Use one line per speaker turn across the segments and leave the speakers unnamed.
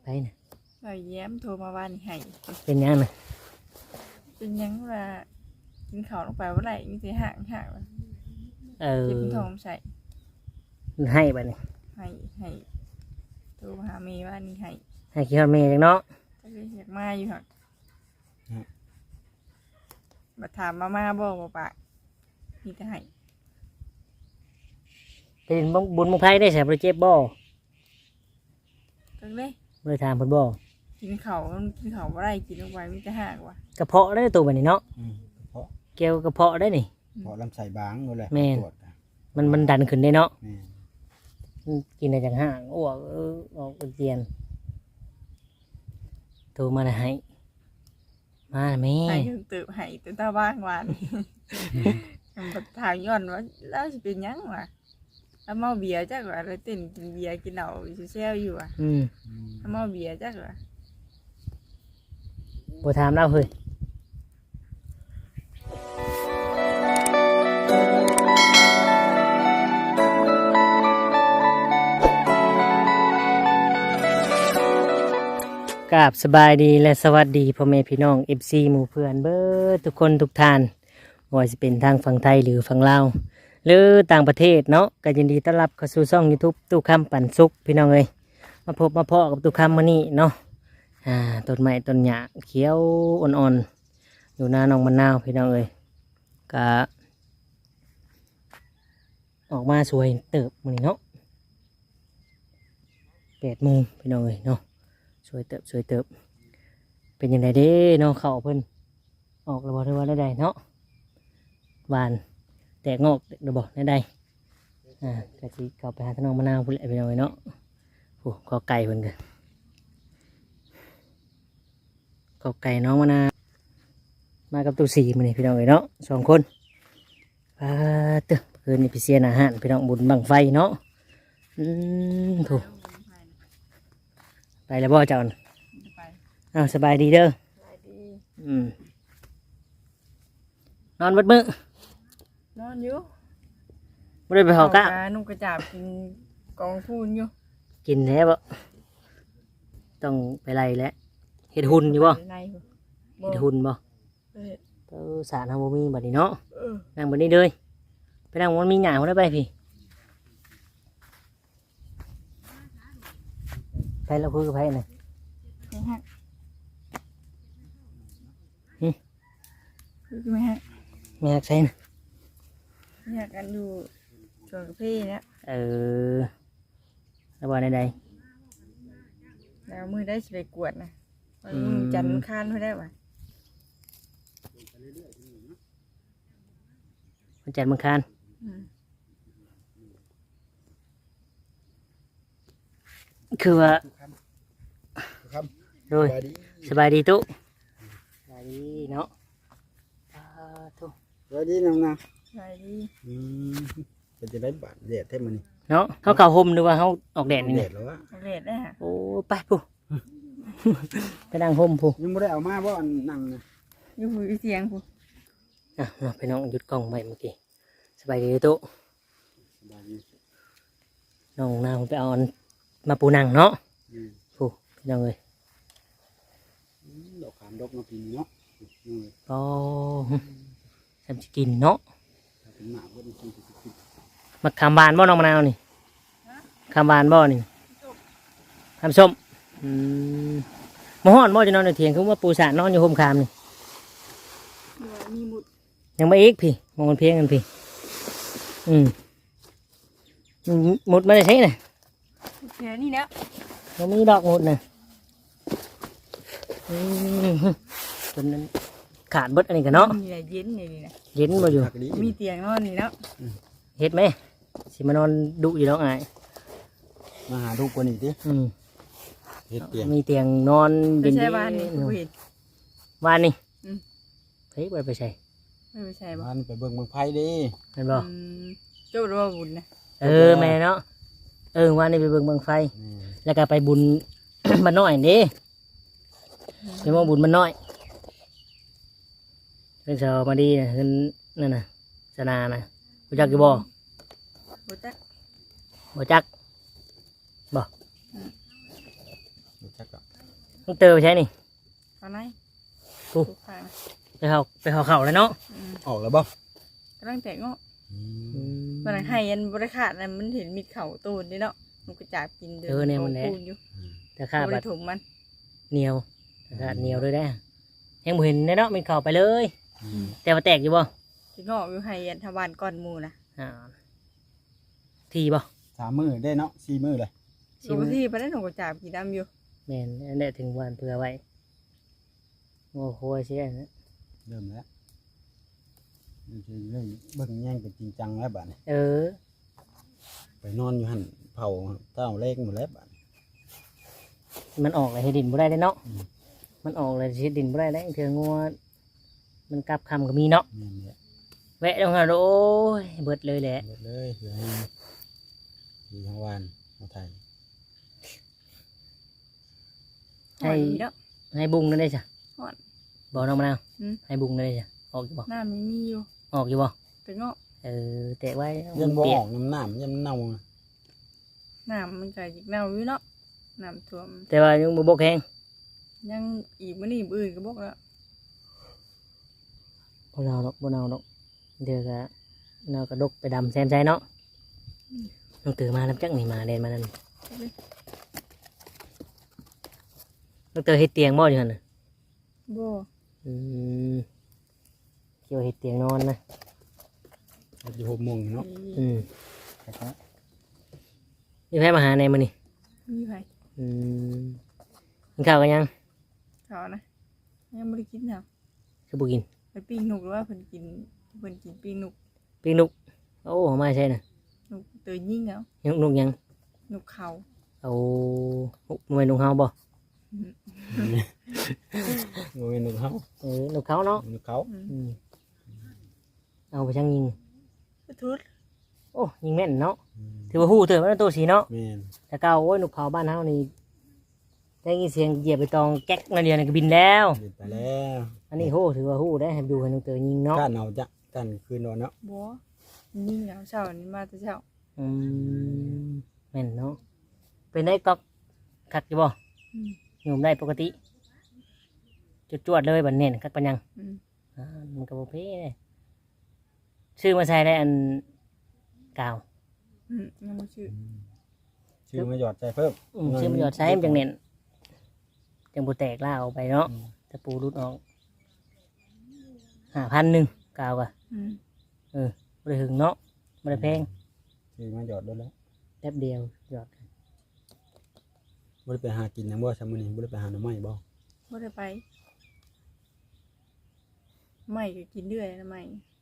ไปน่ะ
เราแย้มโทรมาว่านี่ให้
เป็นยังน่ะ
เป็นยังว่ากินข้าวลงไปว่าไหร่มีแต่ห่างเจ็บท้องใส่
ให้บัดนี้
ให้โทรมาหาเมย์ว่านี่ให้
ให้คิดฮอดแม่จังเนาะ
ก็เลยอยากมาอยู่ค่ะมาถามมาบอกว่าปะมีแต่ให้
เป็นบุญมุงไผได้ใส่บ่ได้เจ็บบ่
ก็เลย
บ่ได้ถามเพิ่นบ่
กินข้าวว่าไหร่กินลงไปมีแต่ห่างว่ะ
กระเพาะได้ตัวบัดนี้เนาะ
เพราะ
เกี่ยวกระเพาะได้นี่
เพราะลำไส้บางนั่นแหละ
แม่น
ตรวจอะ
มันดันขึ้นได้เนาะ
แม่น
กินได้จังห่างอ้วกออกอาเจียนโทรมาน่ะให้มาน่ะแม่
ให้ยังตื่นให้ตื่นตาบ้างหวานมันถามย้อนว่าแล้วจะเป็นยังวะแล้วเมาเบียร์จักว่าเลยเต้นกินเบียร์กินเหล้าเซลอยู่อ่ะ
อืม
เมาเบียร์จักว่า
บ่ถามเราเฮ้ยกราบสบายดีและสวัสดีพ่อแม่พี่น้อง FC หมู่เพื่อนเบิดทุกคนทุกท่านบ่ว่าจะเป็นทางฝั่งไทยหรือฝั่งลาวหรือต่างประเทศเนาะก็ยินดีต้อนรับเข้าสู่ช่อง YouTube ตู้คำปันสุขพี่น้องเอ้ยมาพบมาเพาะกับตู้คำมื้อนี้เนาะต้นไม้ต้นหญ้าเขียวอ่อนๆอยู่หน้าน้องมะนาวพี่น้องเอ้ยก็ออกมาสวยเติบมื้อนี้เนาะ8 โมงพี่น้องเอ้ยเนาะสวยเติบเป็นยังไงเด้เนาะเขาเพิ่นออกแล้วบ่ได้ว่าได้เนาะหวานแตกงอกเดี๋ยวบอกได้กะสิเข้าไปหาทางน้องมะนาวพุ่นแหละพี่น้องเอ้ยเนาะโอ้ก็ไก่เพิ่นกันก็ไก่น้องมะนาวมากับตู้สีมื้อนี้พี่น้องเอ้ยเนาะ2 คนตึกคืนนี้พี่เสียนอาหารพี่น้องบุญบังไฟเนาะถูกไปแล้วบ่เจ้าน่ะ
ไป
สบายดีเด้อ
ไปดี
นอนเบิดมื้อน
อนอยู่
บ่ได้ไปหอกะ
นุ่งกระจาบกินกองพูนอยู่
กินแล้วบ่ต้องไปไล่แล้วเฮ็ดหุ่นอยู่บ่
ใน
เฮ็ดหุ่นบ่
เออ
สารเฮาบ่มีบัดนี้เนาะ
เออ
นั่งบัดนี้เลยไปนั่งมันมีหญ้าพุ่นได้ไปพี่ไปแล้วคุยกับไผน่ะ
ไม่ฮะคือไม่ฮะ
แม่ฮักไสน่ะ
อยากกันอยู่ชวนกับพี่เนี่ย
แล้วบ่ใด
แล้วมือได้สิไปกวดนะมือจันทร์ค้านไม่ได้ว่ะ
ๆวันจันทร์มื้อคานคือว่า
ครับ
โดย
สวัสดี
สบายดีตุ๊สบายดีเนาะทุ
สวัสดีน้องนะ
ไปดี
อืมเป็นจะได้บาดแดดแท้มันนี่
เนาะเขาเข้าห่มหรือว่าเขาออกแดดนี่
แด
นี่
ดแล้ววะ
เรดได้ฮะ
โอ้ไปผู้ ไปนั่งห่มผู้
ยังไม่ได้เอามาเพราะอันนั่งนะ
อยู่หูเสียงผู้
มาไปน้องหยุดกล้องไปเมื่อกี้สบายดีตุ๊
สบายดี
น้องนางไปเอาอันมาปูนังเนาะ
อืม
ผู้พี่น้องเลย
ดอกขามดอกมาปีนเนาะนี่
ก็ทำจะกินเนาะ
ถ้าเป็นหมาก็ต้องกินสิบ
มาคำบานบ่น้องมะนาวนี่คำบานบ่นี่คำส้มมาฮ้อนบ่จะนอนในเถียงคือว่าปูสานนอนอยู่ห่มคามนี่
มีหมุด
ยังไม่อีกพี่มองมันเพียงกันพี่หมดมาได้ใช่น่ะ
แค่นี้แล้ว
เรามีดอกหมดน่ะจนนั้นขาดเบิดอันนี้กันเนาะ
มีอะไรเย็นนี่นะ
เย็นมาอยู่
ผักดี
มีเตียงนอนนี่แล้ว
เฮ็ดไหมสิมานอนดุอยู่แล้วไง
มาหาลูกกว่านี้ดิเฮ็ดเตียง
มีเตียงนอน
ไม่
เย็น
ใช่บ้านนี่ผู้เห็น
วานนี่
Ừ.
เฮ้ยไปใช่
ไม่ใช่บ้า
มัน นไปเบิ่งเมืองไผ่ดิ
เห็นบ่
เจ้ารัวบุญนะ
แม่เนาะวานนี่ไปเบิ่งเบิ่งไฟ
นี่
แล้วก็ไปบุญ มันน้อยนี่ไปมองบุญมันน้อยเพิ่นเชามาดีนะเพิ่นนั่นน่ะสนานะรู้จักอยู่บ่
บุจัก
บ่จักบ่
บรู้จักก็
ต้องเติมไปใช้นี่
เอาไหน
กู
ถูกทาง
ไปเขาเข่าแล้วเนาะ
ออกแล้วบ่
กำลังแต่งเนาะ
อืม
มันให้ยันบริขาดนะมันเห็นมีเข่าตูนนี่เนาะมันก็จับกินเดิพูนอยู่
แต่ข้า
บ
บั
ริ
ด
ถุงมัน
เหนียวแต่ข้าเหนียวด้วยได้ยังบ่เห็นเนาะมันเข่าไปเลย
อืม
แต่ว่าแตกอยู่บ่
ที่งอกอยู่ให้ยันทวารก้อนหมูนะ
อ่าทีบ่
3 มื้อได้เนาะ4 มื้อเลย
ลงที่ไปได้หนูก็จับกินดำอยู่
แม่นอันนี้ถึงวันเผื่อไว้โอ้โหเสียนะ
เริ่มแล้วเริ่มเบิ่งแย่งเป็นจริงจังแล้วบัดนี้
เออ
ไปนอนอยู่หั่นเผาเต้าเล็กหมดแล้วบัด
มันออกเลยให้ดินบ่ได้เนาะ
อืม
มันออกเลยให้ดินบ่ได้แล้วเถื่องัวมันกลับคำก็มีเนาะ
นี่นแหละ
แวะลงหาโอ้ยเบิดเลยแหละ
หมดเลยเหลือให้ดีทั้งวันมาไทย
หอยดีเนาะ
ให้บุ้งนั่นได้จ้ะ
หอน
บอกน้องมะนาว
อืม
ให้บุ้งนั่นได้จ้ะออกอยู่บ่
หน้าไม่มีอยู่
ออกอยู่บ่
แต่งอก
เออแตะไว้
ยันบ่
เปี
อย
ก
อกน้ำหนามยันเน่าอะ
น้ำมันก็ยิกเน่าอยู่เนาะน้ำท่วม
แต่ว่ายังบ่บกแห้ง
ยังอีกมื้อนี้มื้ออื่นก็บอกแล้ว
บ่เนาดอกบ่เนาดอกเดี๋ยวก็เราก็ดกไปดำแซมใจเนาะต้องตื่นมาแล้วจักนี่มาเล่นมานั่นต้องตื่นเฮ็ดเตียงบ่อยู่หั่นน่ะ
บ่
อืมเกี่ยวเฮ็ดเตียงนอนนะ
อยู่6 โมงเนาะ
อืม
ครับ
มีใครมาหาในมื้อนี้
มีไผ
อืมกินข้าวกันยัง
เขานะยังบ่ได้กินเนาะ
คือบ่กิน
ไปปิ้งนกหรือว่าเพิ่นกินปิ้งนก
ปิ้งนุกโอ้มาใช่น่ะ
นกตัวยิ่งแล้ว
ยังนุกยัง
นกเขา
เอาหน่วยนุกเฮาบ่
โอ้ยนกเขา
นุกเขาเนาะ
นกเขา
อืมเอาไปช่างยิง
ไปทุด
โอ้ยิงแม่นเนาะถือว่าฮู้เถอะว่าตัวสีเนาะ
แม่น
แต่เก่าโอ้ยนุกเขาบ้านเฮานี่ได้ยินเสียงเหยียบไปตองแก๊กนั่นเดียวนี่ก็บินแล้ว
เดินไปแล้ว
อันนี้โหถือว่าฮู้ได้ให้ดูให้นุกเตอยิงเนาะ
ก้านเอาจ้ะก้านคืนนอนเนาะ
บ่ยิ่งแล้วเช้านี้มาแต่เช้า
อืมแม่นเนาะเป็นได้ก๊อกคักอยู่บ่
อืม
อยู่ได้ปกติจวดๆเลยบัดเน้นคักปัญญัง
อืม
มันก็บ่เพ่เลยชื่อมาใช้ได้อันกาว
ยังบ่ชื่อ
ชื่อมาหยอดใจเพิ่ม
ชื่อมันหยอดใช้มันจังเน้นจังบ่แตกล่าออกไปเนาะตะปูรุดออก5,100กาวอ่ะ
อืม
บ่ได้หึงเนาะบ่ได้แพง
ชื่อมาหยอดด้วยแล้ว
แป๊บเดียวหยอด
บ่ได้ไปหากินหยังบ่ซะมื้อนี้บ่ได้ไปหาหน่อไม้บ่
บ่ได้ไปไม่ก็กินเรื่อยนะไม่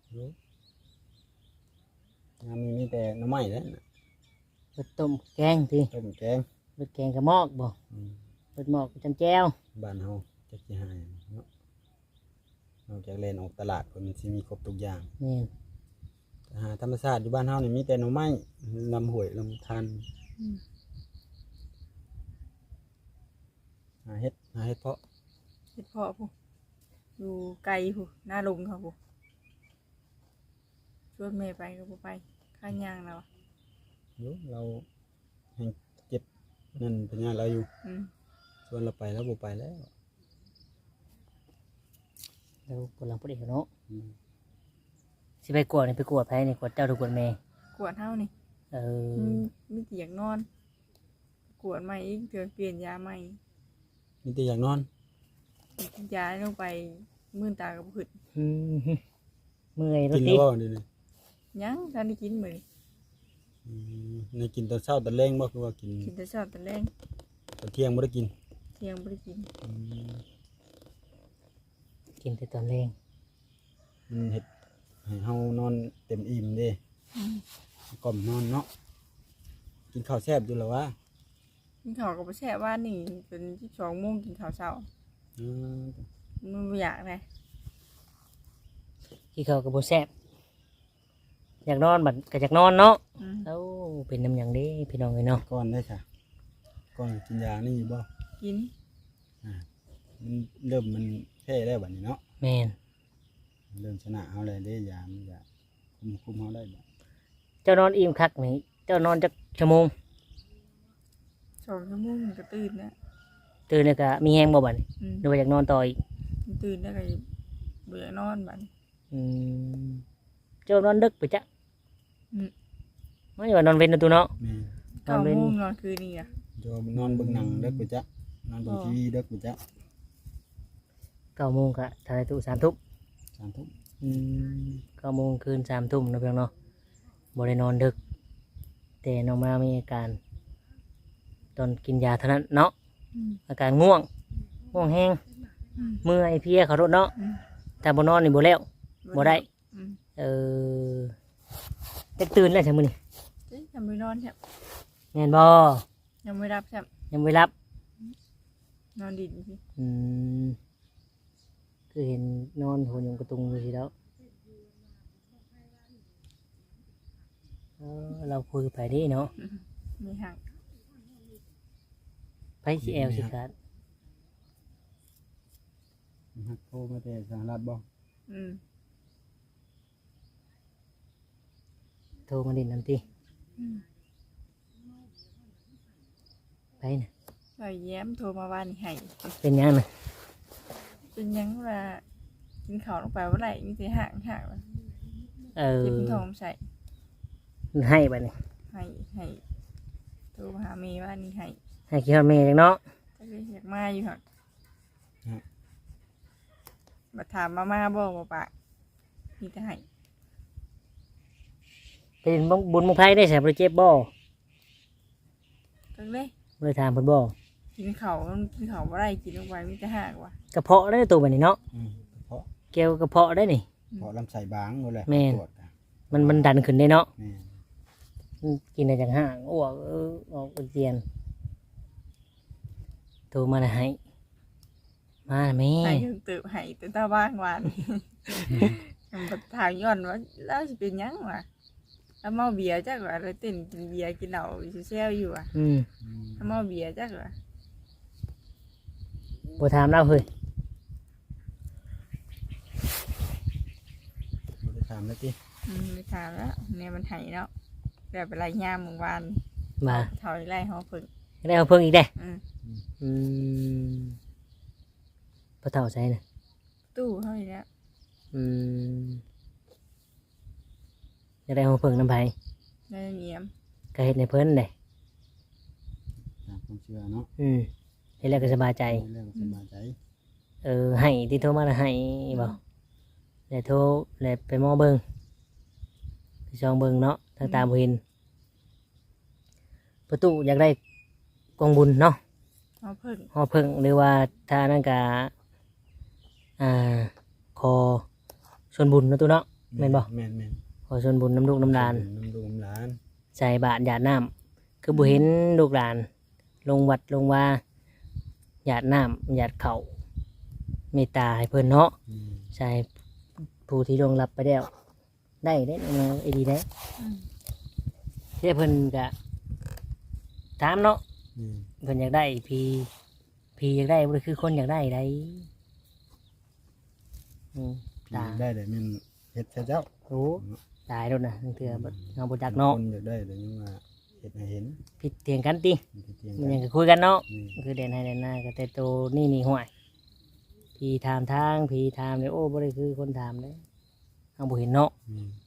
งานนี้มีแต่หน่อไม้แล้วน่ะ
เบิดต้มแกงติ
ต้มแกง
เบิดแกงกระมอกบ่
อืม
เบิดหมอกจำแจ้ว
บ้านเฮาจักสิหาหยังเนาะนอกจากเล่นออกตลาดก็มันสิมีครบทุกอย่าง
นี่
อาหารธรรมชาติอยู่บ้านเฮานี่มีแต่หน่อไม้ลำห้วยลำธาร
อืม
หาเฮ็ดเพาะ
เฮ็ดเพาะผู้อยู่ไกลผู้หน้าลงเขาผู้ชวนแม่ไปก็บ่ไปข้างย่างแล้วอะ
อยู่เราแห่งเจ็บนั่นเป็นงานเราอยู่
อืม
ชวนเราไปแล้วบ่ไปแล้ว
แล้วกำลังพูดเองเนาะ
อืม
สิไปกวดนี่ไปกวดไผนี่กวดเจ้าหรือกวดแม่
กวดเฮานี่
เออ
มีเตียงนอน กวดใหม่อีกเดือนเปลี่ยนยาใหม่
มีแต่อยากนอน
กินยาลงไปมื่นตากับผึด
อืมเมื่อยร
กิ
ถ
น
ติ
แล้วบ่เดี๋ยวนี้
ยังท่านได้กินมื้อนี้
อืมในกินตอนเช้าตอนแรงบ่คือว่ากิน
กินแต่เช้าแต่แรง
ตอนเที่ยงบ่ได้กิน
เที่ยงบ่ได้กิน
อืม
กินแต่ตอนแรง
มันเฮ็ดให้เฮานอนเต็มอิ่มเด้
อืม
ก่อมนอนเนาะกินข้าวแซ่บอยู่แล้ววะ
กินข้าวกับแช่ว่านี่เป็น12 โมงกินข้าวเช้า
อืม
มันบ่อยากเลย
ที่เขาก็บ่แซ่บอยากนอนบัดก็อยากนอนเนาะ
อืม
เอ้าเป็นน้ำหยังเด้พี่น้องเอ้ยเนาะ
ก่อนได้ค่ะก่อนกินยานี่บ่
กิน
มันเริ่มมันแพ้แล้วบัดนี้เนาะ
แม่น
เริ่มชนะเฮาแล้วเด้ยามันจะคุมเฮาได้บ่
เจ้านอนอิ่มคักนี่เจ้านอนจักชั่วโมง
2 ชั่วโมงก็ตื่นแล้ว
ตื่นแล้วก็มีแฮงบ่บัดนี้
อืม
หรือว่าอยากนอนต่ออีก
ตื่นแล้วก็เบื่อนอนบัด
อืมเจ้านอนดึกไปจ้ะ
อืม
ไม่ว่านอนเว้นนะตูเนาะ
แม่
เก้าโมงนอนคืนนี่อ่ะ
จะนอนเบิ่งหนังเด็กกูจ๊ะนอนเบิ่งทีวีเด็กกูจ๊ะ
9 โมงก็ทายตู้3 ทุ่ม
3 ทุ่ม
9 โมงคืน3 ทุ่มนะเพียงเนาะบ่ได้นอนดึก แต่น้องมามีอาการ ตอนกินยาเท่านั้นเนาะ
อืม
อาการง่วงแห้ง
อืม
เมื่อยเพลียเขารถเนาะ
อืม
ถ้าบ่นอนนี่บ่แล้วบ่ได้
อืม
เออแต่ตื่นแล้วใช่มื้อนี้
เจ๊ยังไม่นอนใช่
แม่นบ่
ยังไม่รับใช่
ยังไม่รับ
นอนดินสิ
อืมคือเห็นนอนหัวยงกระตุงอยู่สิแล้วเราคุยไปดิเนาะ
มีหัก
ไปสิแอลสิครับ
ฮักโทรมาแต่สหรัฐบ่
อืม
โทรมาดินนั่นติ
อืม
ไปนะ
เราแย้มโทรมาว่านี่ให้
เป็นยังนะ
เป็นหยังว่ากินข้าวลงไปว่าไรมีแต่หักว่า
เออ
เจ็บท้องใส่
ให้ไปนี่
ให้โทรมาหาเมย์ว่านี่ให้
ให้คิดฮอดแม่จังเนาะ
ก็เลยอยากมาอยู่หักมาถามมาบอกว่าปะมีแต่ให้
เป็นบุญมุงไพ่ได้ใส่บริเจ็บบ่
ก็เลย
บริถามเพิ่นบ่
กินข้าวว่าไรกินลงไปมีแต่หักว่ะ
กระเพาะได้ตัวแบบนี้เนาะ
เพราะ
เกี่ยวกระเพาะได้นี่
เพราะลำไส้บางนั่นแหละ
แม่น
ตรวจอะ
มันดันขึ้นได้เนาะ
แม่น
กินได้จังห่างอ้วกออกอาเจียนโทรมาแล้วให้มาแม่
ให้ถึงตื่นให้แต่ตาบ้างวานมันมาถามย้อนว่าแล้วจะเป็นหยังวะแล้วเมาเบียร์จักว่าเลยเต้นกินเบียร์กินเหล้าอยู่เซลอยู่อ่ะ
อืม
แล้วเมาเบียร์จักว่า
บ่ถามเราเฮ้ย
บ่ได้ถามแล้วติ
ไม่ถามแล้วเนี่ยมันให้แล้วแต่เป็นไรยามเมื่อวาน
มา
ถอยไล่เขาฝึก
ได้เอาเพิ่งอีกได้
อืม
อืมพอเท่าใช่น่ะ
ตู้เขาอีกแล้ว
อืมจะได้เอาเพิ่งน้ำไผ่
ได้เนียม
ก็เฮ็ดในเพิ่นได้
ตามความเชื่อเนาะ
เฮ็ดแล้วก็สบายใจ
เรื่องสบายใจ
ให้ที่โทรมาแล้วให้บ่แล้วโทรแล้วไปหมอเบิ่งไปซองเบิ่งเนาะทางตาบ่เห็นประตูอยากได้กองบุญเนาะ
เขาฝึก
หอเพิ่งหรือว่าถ้านั่นก็ขอส่วนบุญเนาะตู้เนาะ แม่นบ่
แม่นแม่น
ขอส่วนบุญน้ำลูกน้ำหลาน
น้ำลูกน้ำหลาน
ใส่บาตรหยาดน้ำคือบุเห็นลูกหลาน ลงวัดลงว่าหยาดน้ำหยาดเขาเมตตาให้เพิ่นเนาะ
อืม
ใช่ผู้ที่ลงรับไปแล้วได้มาไอดีได้เที่เพิ่นก็ถามเนาะ
อืม
เพิ่นอยากได้พีอยากได้บ่คือคนอยากได้ได้ตา
ได้แต่มันเฮ็ดใช่เจ้า
โอ้ตายแล้วนะทั้งเถื่อบ่เงาบ่จักเนาะ
คนอยากได้แต่ยังว่าเฮ็ดให้เห็น
ผิดเถียงกันติ
มันสิเถียง
มัน
กั
ยัง
น
ก็คุยกันเนาะ
อืม
คือเด่นให้เด่นหน้าก็แต่โตนี่ห่วยพี่ถามทางพี่ถามเลยโอ้บ่ได้คือคนถามเลยเอาบ่เห็นเนาะ
อืม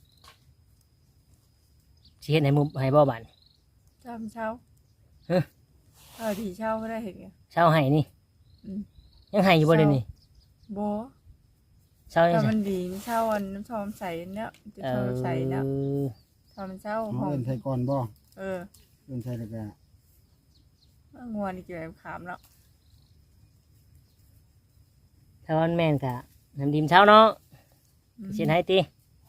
สิเฮ็ดให้มุมให้บ่บัด
เช้าเป็นเช้า
ฮะ
ทีเช้าก็ได้เห็นไง
เช้าให้นี่
อืม
ยังให้อยู่บ่เดี๋ยวนี้
โบ
เช้ายัง
ถ้า
ใส่
มันดีเช้าอันน้ำทอมใส่เนี่ยจะทอมใส่เนี่ยทอมเช้า
เอา
ห้อง
เอิ้นใส่ก่อนบ่
เออ
เอิ้นใส่แล้วก็
งวนนี่เกี่ยวกับขามแล้ว
ถ้าวันแม่นก็น้ำดิมเช้าเนาะสิให้ติ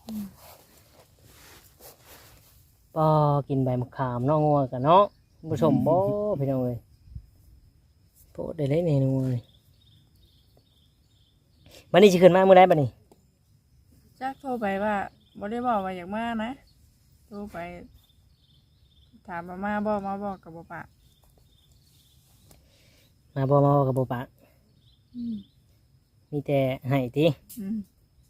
ปอกินใบมะขามเนาะงัวกันเนาะผสมบ่พี่น้องเอ้ยโพดได้เลยนี่งัวนี่บัดนี้สิขึ้นมามื้อใดบัดนี้
จักโทรไปว่าบ่ได้บอกว่าอยากมานะโทรไปถามมาบอกกับบ่ปะ
มาบ่มาบ่กับบ่ปากมีแต่ให้ติ
อืม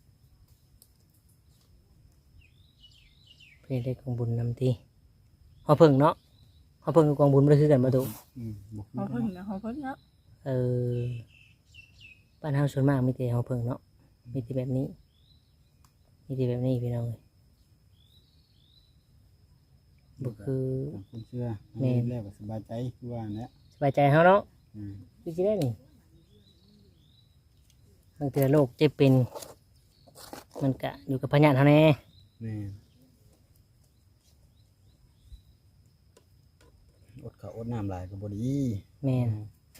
เพื่อได้กองบุญนำทีหอเพิ่งเนาะหอเพิ่งกับกองบุญไม่ได้คือกันมาดู
บ่
เขาเพิ่งนะเขาเพิ่งเนาะ
เออบ้านเฮาส่วนมากมีแต่เฮาเพิ่งเนาะมีแต่แบบนี้มีแต่แบบนี้พี่น้องเลยบ่คือ
ตามความเชื่อ
แม่น
แล้วก็สบายใจคือว่าแหละ
สบายใจเฮาเนาะ
อืม
คือสิได้นี่บางเทื่อโรคเจ็บเป็นมันก็อยู่กับพยานเฮาแน่
แม่นอดข้าวอดน้ำหลายก็บ่ดี
แม่น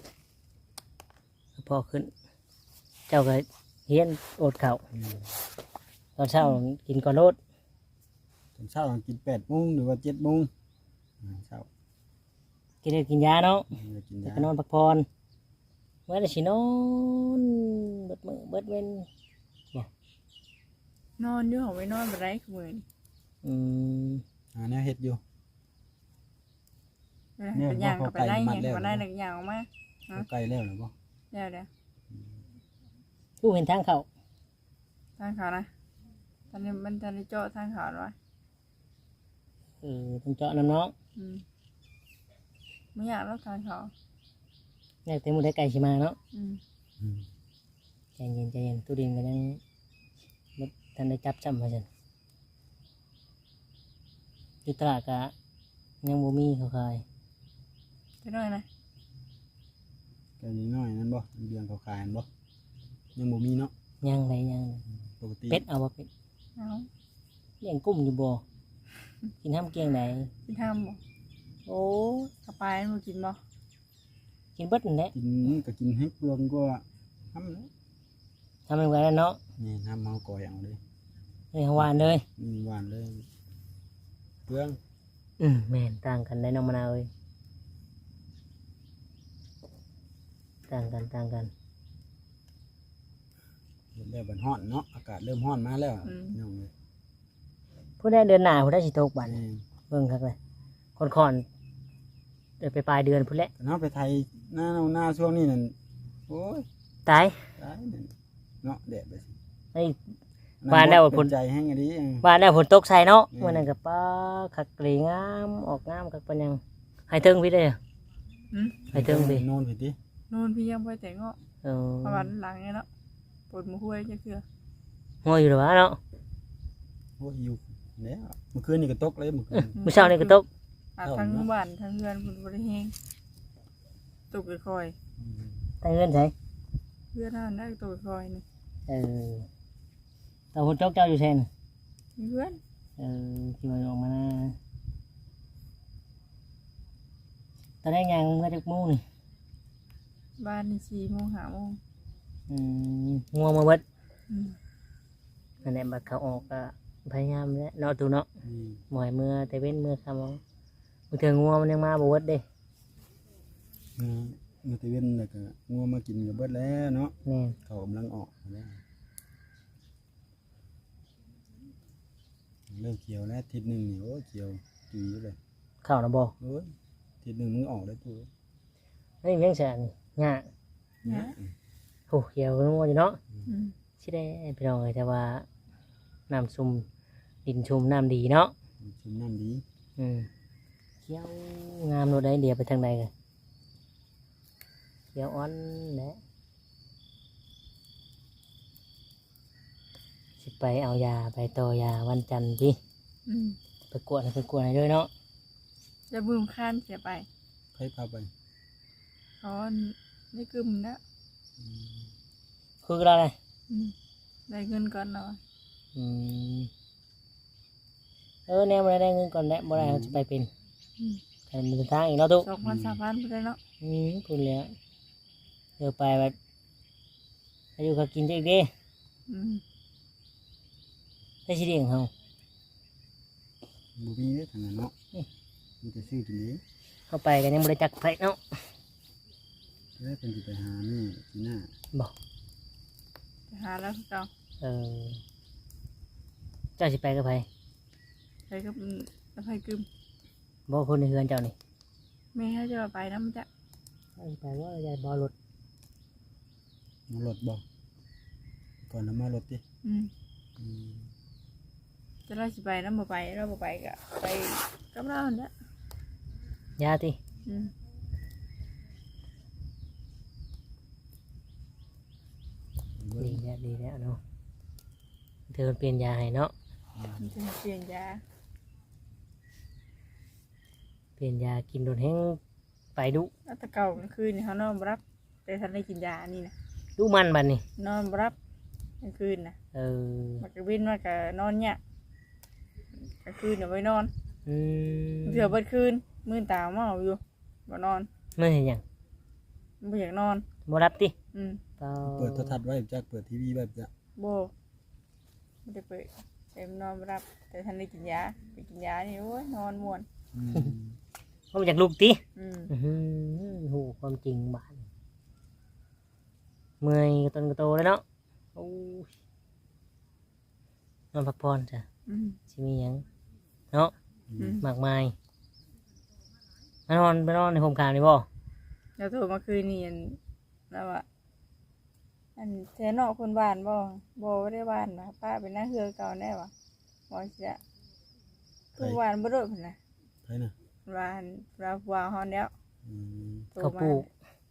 พอขึ้น เจ้าก็เฮียนอดข้าว
อืม
ตอนเช้ากินก่อนโลด
ตอนเช้าต้องกิน8 โมงหรือว่า7 โมงเช้า
กินได้กินยาเนาะ
จะกิน
แล้ว
ยา
ก็นอนพักผ่อนเมื่อได้สินอนเบิดมื้อเบิดเว้น
นอนอยู่ของไว้นอนบ่ได้คือมื้อนี้
อืม
หาแนวเฮ็ดอยู่
เวลา
เนี่ย
เป็นย่างก็ไปได้
มั
ไง
ดแล้ว
ก็ได้หนึ่งอย่างออกมา
เอาใกล้แล้วหรือบ่
เดี๋ยว
ผู้เห็นทางเขา
ทางเขานะตอนนี้มันจะได้เจาะทางเขาแล้ววะ
ต้องเจาะน้ำเนาะ
ไม่อยากแล้วทางเขา
อยากเต็มมือได้ไก่ชิมาเนาะ
อืม
อืม
ใจเย็นใจเย็นตู้ดินก็ยังบ่ทันได้จับจำมาจันอยู่ตลาดกะยังบ่มีเขาขาย
จะน้อยนะ
ไก่น้อยๆนั่นบ่เดือนเขาขายนั่นบ่ยังบ่มีเนาะ
ยังไรยังเลย
ปกติ
เป็ดเอาบ่เป็ด
เอา
เลี้ยงกุ้มอยู่บ่กินห้ามเกียงไหน
กินทำบ่
โอ้
กระปายมันกินบ่
กินเบิดนั่นแหละ
กินก็กินให้เปลืองก็ทำแล้ว
ทำเป็นไว้แล้วเนาะ
นี่ทำเมาก่อยเอาเลย
เลยหวานเลย
มีหวานเลยเปลือง
แม่นต่างกันได้น้องมะนาวเอ้ยต่างกันต่างกัน
เห็นแล้วมันร้อนเนาะอากาศเริ่มร้อนมาแล้วน้องเลย
ผู้ได้เดือนหน้าผู้ได้สิตกบัด
นี่
เบิ่งคักเลยคนคอนเดี๋ยวไปปลายเดือนพุ่นแหละ
แต่เนาะไปไทยหน้าช่วงนี้นั่นโอ้ย
ตาย
ตายนั่นเนาะแดดไปสิ
ไอ้ ว่าแล้ว
เป็
พุ่น
นใจแห้งอันนี้
บ้านแล้วฝนตกใส่เนาะ
อืม
วันนั้นกับป้าขักกรีงามออกงามคักปานยังให้เทิงพี่ได้อ
อืม
ให้เทิงพี่
โน่นผิดดิ
นู่นพี่ยังไปแต่งเงาะ
เออ
ประมาณหลังไงเนาะปวดมือห้วยจะคือ
หัวอยู่หรือวะเนาะ
โอ้ยอยู่แล้วเมื่อคืนนี่ก็ตกเลยเมื่อคืน
มื้อเช้านี่ก็ตก
ทั้งบ้านทั้งเรือนพุ่นบ่ได้แฮงตกค่อย
แต่เงินใช่
ๆเพื่อนนั่นได้ตกค่อยๆนี่
เออแต่ฝนตกเจ้าอยู่แทน
มีเพื่อน
ที่ว่าออกมานะตอนแรกยังเมื่อจากโมู่นี่
บ้านนี่4 โมง 5 โมง
งัวมาเบิด
อืม
นั่นแหละบัดเขาออกก็พยายามแล้วเนาะตูเนาะ
อืม
หมอยเมื่อแต่เว้นเมื่อคำเอาบางเทื่องัวมันยังมาบ่เบิดเด้
เมื่อตะเวนแล้วก็งัวมากินกับเบิดแล้วเนาะ
แม่น
เขากำลังออกแล้วเริ่มเขียวแล้วทิศหนึ่งนี่โอ้ยเขียวจุยอยู่เลย
เข้านะบ่
โอ้ยทิศหนึ่งมึงออกแล้วตัว
เฮ้ยเลี้ยงแสนนี่หญ้า
นะ
โอ้เขียวงัวอยู่เนาะ
อืม
สิได้พี่น้องเอ้ยแต่ว่าน้ำซุ่มดินชุ่มน้ำดีเนาะ
ชุ่มน้ำดี
เขียวงามโนดได้เดียวไปทางใดกันเขียวอ่อนแหละสิไปเอายาไปต่อยาวันจันทร์พี่
อืม
ไปกวดให้ด้วยเนาะ
จะบึ้มข้านเสียไป
ใครพาไป
เขาได้กึมนะ
คืออะไร
อืมได้เงินก่อนเนาะ
อืมแนวมาได้เงินก่อนแหละบ่ได้เขาจะไปเป็น
อืม
กันเป็นทางอีกเนาะตุ๊
2,000 3,000ไปเลยเนาะ
พูดแล้วเดี๋ยวไปแบบอายุเขากินเจ๊กเด้
อืม
ได้ชิเดียงเขา
บุมีเด้อทางนั้นเนาะมันจะซื้อกินเอง
เข้าไปกันยังบริจักไผเนาะ
แล้วเป็นจะไปหานี่ที่หน้า
บอก
ไปหาแล้วคือเก่า
เออเจ้าสิไปกับไผ
ไปกับแล้วไปกึม
บอกคนในเฮือนเจ้านี่
แม่ให้จะไปนะมันจะ
เจ้าสิไปว่าจะบอรถ
มารถบ่ก่อนน้ำมารถดิ
อืม
อืม
จะเราสิไปนะบ่ไปเราบ่ไปก็ไปกับเราเนี่ย
ยาติ
อืม
ดีแล้วเนาะเธอเปลี่ยนยาให้เนาะ
มันจะเปลี่ยนยา
เปลี่ยนยากินโดนแห้งไปดุ
แล้วแตะเก่ากลางคืนนี่เขานอนบ่รับแต่ทันได้กินยานี่นะ
ดุมันบัดนี่
นอนบ่รับกลางคืนนะ
เออ
มันก็วินมันก็นอนเนี่ยกลางคืนเดี๋ยวไปนอน
อืม
เผื่อเบิดคืนมื้อตาเมาอยู่บ่นอน
ไม่เห็นหยัง
บ่อยากนอน
บ่รับติ
เปิดโทรทัศน์ไว้จักเปิดทีวีไว้จัก
บ่ไม่ได้เปิดเต็มนอนบ่รับแต่ทันได้กินยาไปกินยานี่โอ้ยนอนม่วน
เพราะมันอยากลุกติ
อืม
โหความจริงบาดเมื่อยกระตนกระโตแล้วเนาะโอ้ยนอนพักผ่อนจ้ะ
อืม
สิมีหยังเนาะ
อืม
มากมายมานอนในโฮมคามนี่บ่
แล้วโทรมาคืนนี่อันแล้วอ่ะอันแท้นอกคนบ้านบ่ได้บ้านนะป้าเป็นหน้าเฮือเก่าแน่วะบ่สิจะคือบ้านบ่โดดพุ่นน่ะ
ใช่น่ะ
บ้านเราวางฮอนแล้ว
อืม
โทร
เขา
มา
ปลูก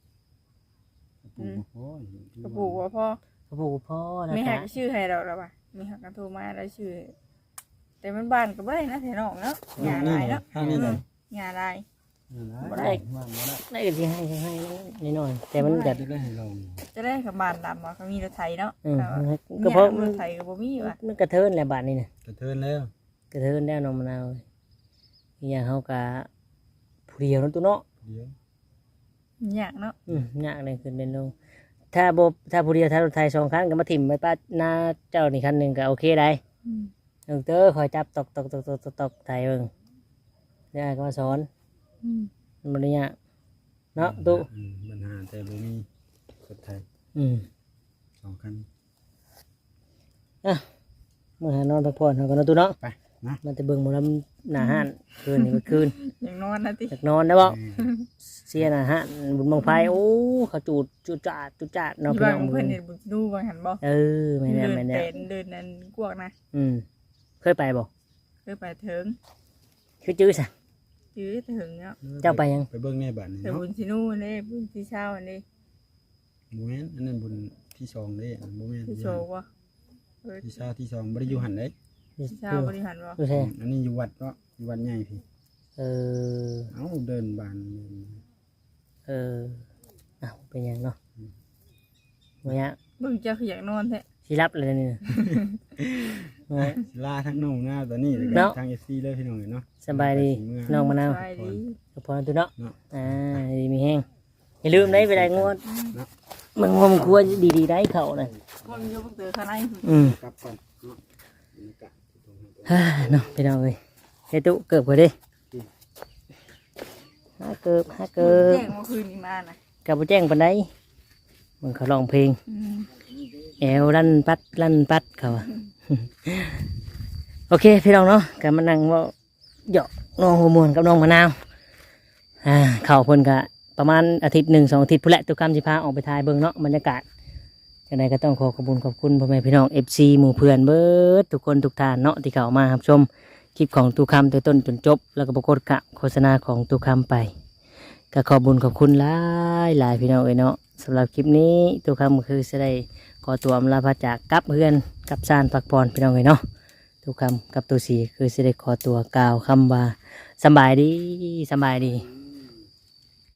กระปุกบ่พอ
ก็ปลูกว่าพ่อ
เขาปลูกพ่อนะ
ไม่
จ๊ะ
หักชื่อให้เราแล้วว่ะมีหักกันโทรมาแล้วชื่อ แต่มันบ้านก็บ่ได้นะแท้นอกเนาะหญ้าลายเนาะ
ทางนี้เลย
หญ้าลาย
บ่ได้ว่าบ่ได้
ได้ก็สิให้นิดหน่อยแต่มันแบบ
จะได้ให้ลอง
จะได้กับบ้านดำอ่ะเขามีรถไถเนาะ
อืม
แต่ว่า
ก็เพราะ
รถไถก็บ่มีว่ะ
มันกระเทินแหละบาดนี่นะ
กระเทินแล้ว
กระเทินแล้วน้องมะนาวอีกอย่างเขากะผู้เดียวนั่นตัวเนาะ
เดี๋ยว
อยากเนาะ
ยากเลยขึ้นเป็นลงถ้าผู้เดียวถ้ารถไทย2 คันก็มาถิ่มไว้ป้าหน้าเจ้านี่คันหนึ่งก็โอเคได้
อืม
เด้อคอยจับตอกไทยเบิ่งได้ก็มาสอน
อืม
มันบ่ได้ยากเนาะตู้
ปัญหาแต่บ่มีกดไทย 2 คัน
เมื่อหานอนพักผ่อนเขาก็นอนตู้เนาะ
ไปนะ
มันจะเบิ่งหมอลำหน้าห้านคืนนี้ก็คืน
อย่างนอนนะติ
อยากนอนได้บ่เสียหน้าห้านบุญบังไฟโอ้เขาจุดจาดเนาะ
ที่
พี่
บ้าน
น้อง
ของ
มื้
เพิ่
อน
เนี่ยบุญดูบางหันบ่
เออไม่แน่
เดินนั้นกวกนะ
เคยไปบ่
เคยไปถึง
คือจื้อซะ
จื้อถึงเนาะ
เจ้าไปยัง
ไปเบิ่งในบ้านนี่
แต่
เนาะ
บุญชินูนี่บุญที่เช้านี่
บ่แม่นอันนั้นบุญที่2เด้อันบ่แม่น
ที่โชว์บ่
ที่เช้าที่2บ่ได้อยู่หั่นเด้
ที่เช้าบริหารบ่
ดูแท้
อันนี้อยู่วัดเนาะอยู่วัดใหญ่พี่
เออ
เอ้าเดินบ้าน
อ้าวเป็นหยังเนาะเมื่อ
เบิ่งเจ้าคืออยากนอนแท้
สิรับเลยนี่นะเมื่อ
ลาทั้งน้องหน้าตอนนี้แล้วก็
เนาะ
ทาง FC เลยพี่น้องเนาะ
สบายดีน้องมะนาว
สบายดี
ก็พอตัวเนาะ
เนาะ
ดีมีแห้งอย่าลืมได้เวลางวดมันงวมควรดีได้เขาน่ะ
มันอยู่บ่เจอข้างใน
กลับก่อนเนาะบรรยากาศที่ตรงนั้น
ฮ่าเนาะพี่น้องเอ้ยเฮ้ยตุเกิบกว่าดิห้าเกิบ
แจ้งเมื่อคืนนี้มานะ
กับบ่แจ้งปานใดมันเขาร้องเพลง แอวลั่นปัดเขาอะ โอเคพี่น้องเนาะกันมานั่งเว่าหยอกน้องหัวมวนกับน้องมะนาวเข่าเพิ่นกะประมาณอาทิตย์1 2 อาทิตย์พุ่นแหละตุกคำสิพาออกไปถ่ายเบิ่งเนาะบรรยากาศจังใดก็ต้องขอขอบคุณพ่อแม่พี่น้อง FC หมู่เพื่อนเบิดทุกคนทุกท่านเนาะที่เข้ามารับชมคลิปของตุกคำแต่ต้นจนจบแล้วก็ปรากฏกะโฆษณาของตุกคำไปก็ขอบคุณหลายพี่น้องเอ้ยเนาะสำหรับคลิปนี้ตุกคำก็คือจะได้ ขอตัวอำลาพระจากกับเพื่อนกับซานพักผ่อนพี่น้องเลยเนาะทุกคำกับตัวสีคือสิได้ขอตัวกล่าวคำว่าสำบายดี